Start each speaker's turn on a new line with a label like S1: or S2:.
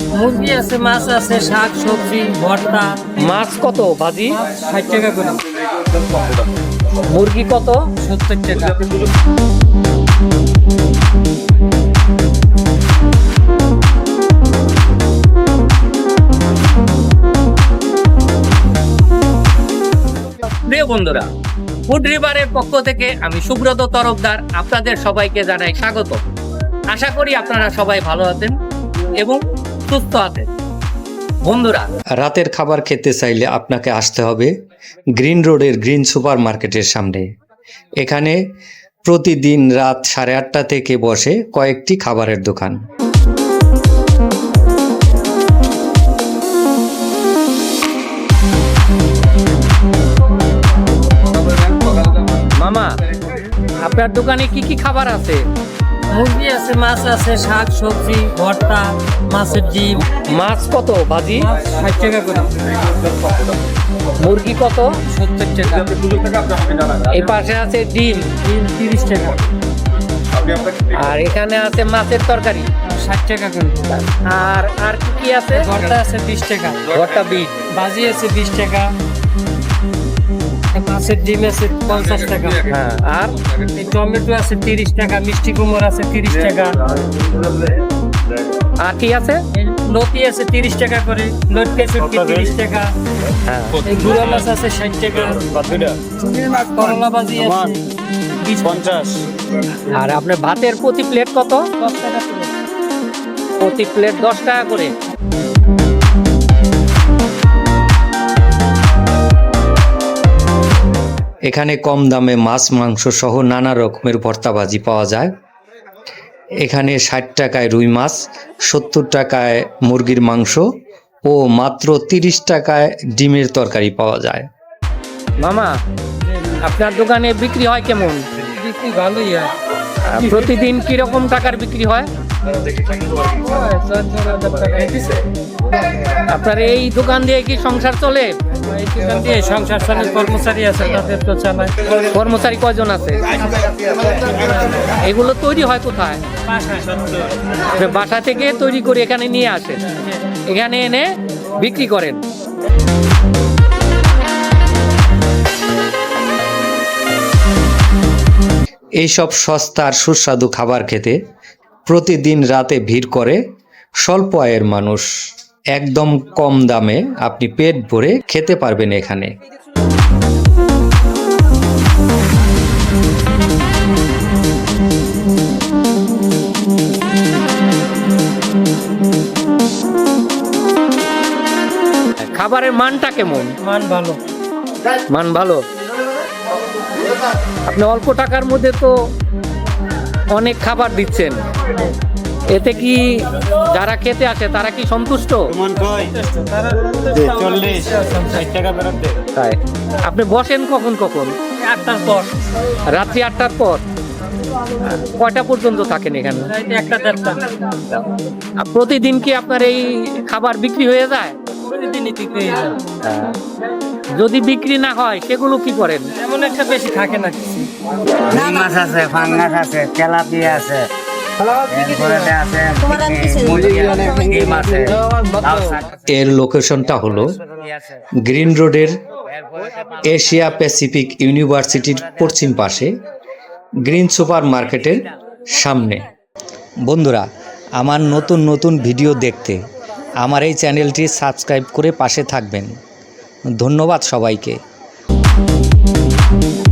S1: মুরগি আছে, মাছ আছে, শাক সবজি ভর্তা।
S2: মাছ কত ভাজি?
S1: 60 টাকা করে।
S2: মুরগি কত?
S1: 70 টাকা।
S2: প্রিয় বন্ধুরা, ফুড রিভারের পক্ষ থেকে আমি সুব্রত তরফদার আপনাদের সবাইকে জানাই স্বাগত। আশা করি আপনারা সবাই ভালো আছেন এবং সুস্থ আছেন। বন্ধুরা,
S3: রাতের খাবার খেতে চাইলে আপনাকে আসতে হবে গ্রিন রোডের গ্রিন সুপার মার্কেটের সামনে। এখানে প্রতিদিন রাত 8:30 থেকে বসে কয়েকটি খাবারের দোকান।
S2: মামা, আপনার দোকানে কি কি খাবার আছে?
S1: মুরগি আছে, মাছ আছে, শাক সবজি ভর্তা, মাছের ডিম।
S2: মাছ কত ভাজি?
S1: 60 টাকা করে।
S2: মুরগি কত?
S1: 70 টাকা।
S2: এই পাশে আছে ডিম,
S1: ডিম 30 টাকা।
S2: আর এখানে আছে মাছের তরকারি
S1: 60 টাকা করে।
S2: আর আর কি কি আছে?
S1: ভর্তা আছে 20 টাকা।
S2: ভর্তা বিট।
S1: ভাজি আছে 20 টাকা। মাছের ডিম আছে 50 টাকা।
S2: হ্যাঁ, আর
S1: এই টমেটো আছে 30 টাকা। মিষ্টি কুমড় আছে 30 টাকা।
S2: আর কি আছে?
S1: এই লতি আছে 30 টাকা করে। লটকে শুটকি 30 টাকা।
S2: হ্যাঁ,
S1: এই গুঁড়া মাছ আছে 60 টাকা। করলা ভাজি আছে 50।
S2: আর আপনার ভাতের প্রতি প্লেট কত?
S1: 10 টাকা করে।
S2: প্রতি প্লেট 10 টাকা করে।
S3: এখানে কম দামে মাছ মাংস সহ নানা রকমের ভর্তা ভাজি পাওয়া যায়। এখানে 60 টাকায় রুই মাছ, 70 টাকায় মুরগির মাংস ও মাত্র 30 টাকায় ডিমের তরকারি পাওয়া যায়।
S2: মামা, আপনার দোকানে বিক্রি হয় কেমন?
S1: বিক্রি ভালোই হয়।
S2: প্রতিদিন কিরকম টাকার বিক্রি হয়?
S1: 4,000 টাকা।
S2: আপনার এই দোকান দিয়ে কি সংসার চলে?
S1: এই দোকান দিয়ে সংসার চলে। কর্মচারী আছে, তাদের তো চালায়।
S2: কর্মচারী কয়জন আছে? এগুলো তৈরি হয় কোথায়? বাসা থেকে তৈরি করে এখানে নিয়ে আসেন, এখানে এনে বিক্রি করেন।
S3: এইসব সস্তার সুস্বাদু খাবার খেতে প্রতিদিন রাতে ভিড় করে স্বল্প আয়ের মানুষ। একদম কম দামে আপনি পেট ভরে খেতে পারবেন এখানে।
S2: খাবারের মানটা কেমন?
S1: মান ভালো।
S2: মান ভালো। আপনি অল্প টাকার মধ্যে তো অনেক খাবার দিচ্ছেন, এতে কি যারা খেতে আসে তারা কি সন্তুষ্ট? তাই আপনি বসেন কখন কখন?
S1: 8টার পর।
S2: রাত্রি 8টার পর। কয়টা পর্যন্ত থাকেন এখানে?
S1: 1টা 1:30টা।
S2: আর প্রতিদিন কি আপনার এই খাবার বিক্রি হয়ে যায়?
S1: প্রতিদিনই বিক্রি হয়ে যায়।
S2: যদি বিক্রি না হয় সেগুলো কি করেন?
S1: এমন একটা বেশি থাকে না কিছু।
S4: রুই মাছ আছে, ফাঙ্গাস আছে, তেলাপিয়া আছে, এরপরে আছে ডিম আছে, লাউ শাক
S3: এর লোকেশনটা হলো গ্রিন রোডের এশিয়া প্যাসিফিক ইউনিভার্সিটির পশ্চিম পাশে গ্রিন সুপার মার্কেটের সামনে। বন্ধুরা, আমার নতুন নতুন ভিডিও দেখতে আমার এই চ্যানেলটি সাবস্ক্রাইব করে পাশে থাকবেন। ধন্যবাদ সবাইকে।